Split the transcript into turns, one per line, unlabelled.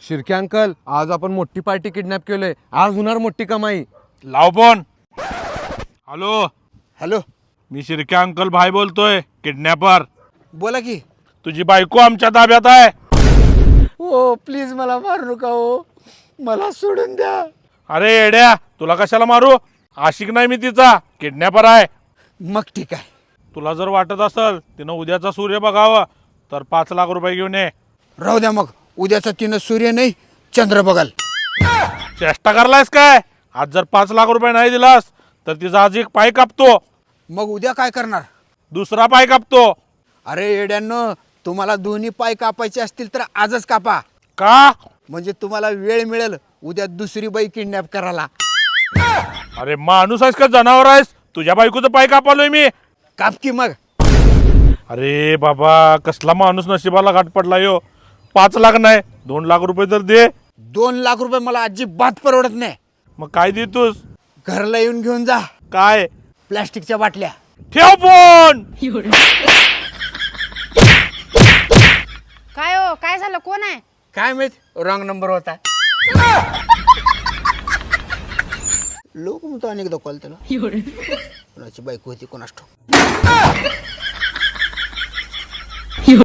Shirke uncle, आज आपण मोठी पार्टी किडनॅप केलोय. आज होणार मोठी कमाई.
लाव फोन. हॅलो,
हॅलो,
मी शिर्के अंकल भाई बोलतोय, किडनॅपर.
बोला की.
तुझी बायको आमच्या ताब्यात आहे.
हो प्लीज मला मारू नका हो, मला सोडून द्या.
अरे येड्या, तुला कशाला मारू? आशिक नाही मी तिचा, किडनॅपर आहे.
मग ठीक आहे.
तुला जर वाटत असेल तिनं उद्याचा सूर्य बघावं तर 5 लाख रुपये घेऊन ये.
राहू द्या मग, उद्याचा तिनं सूर्य नाही चंद्र बघाल.
चेष्टा करलायस काय? आज जर 5 लाख रुपये नाही दिलास तर तिचा आज एक पाय कापतो,
मग उद्या काय करणार?
दुसरा पाय कापतो.
अरे येड्यांनो, तुम्हाला दोन्ही पाय कापायचे असतील तर आजच कापा.
का?
म्हणजे तुम्हाला वेळ मिळेल उद्या दुसरी बाई किडनॅप करायला.
अरे माणूस आहेस का जनावर आहेस? तुझ्या बायकोचं पाय कापालोय मी.
काप की मग.
अरे बाबा, कसला माणूस नशिबाला घाट पडला यो. 5 लाख नाही 2 लाख रुपये तर दे.
2 लाख रुपये मला अजिबात परवडत नाही.
मग काय देतोस?
घरला येऊन घेऊन जा
काय?
प्लॅस्टिकच्या बाटल्या.
ठेव फोन.
काय हो, काय झालं? कोण आहे?
काय माहित, रॉंग नंबर होता. लोक म्हणतो अनेकदा कॉल त्याला. कोणाची बायको होती कोणास ठाऊक.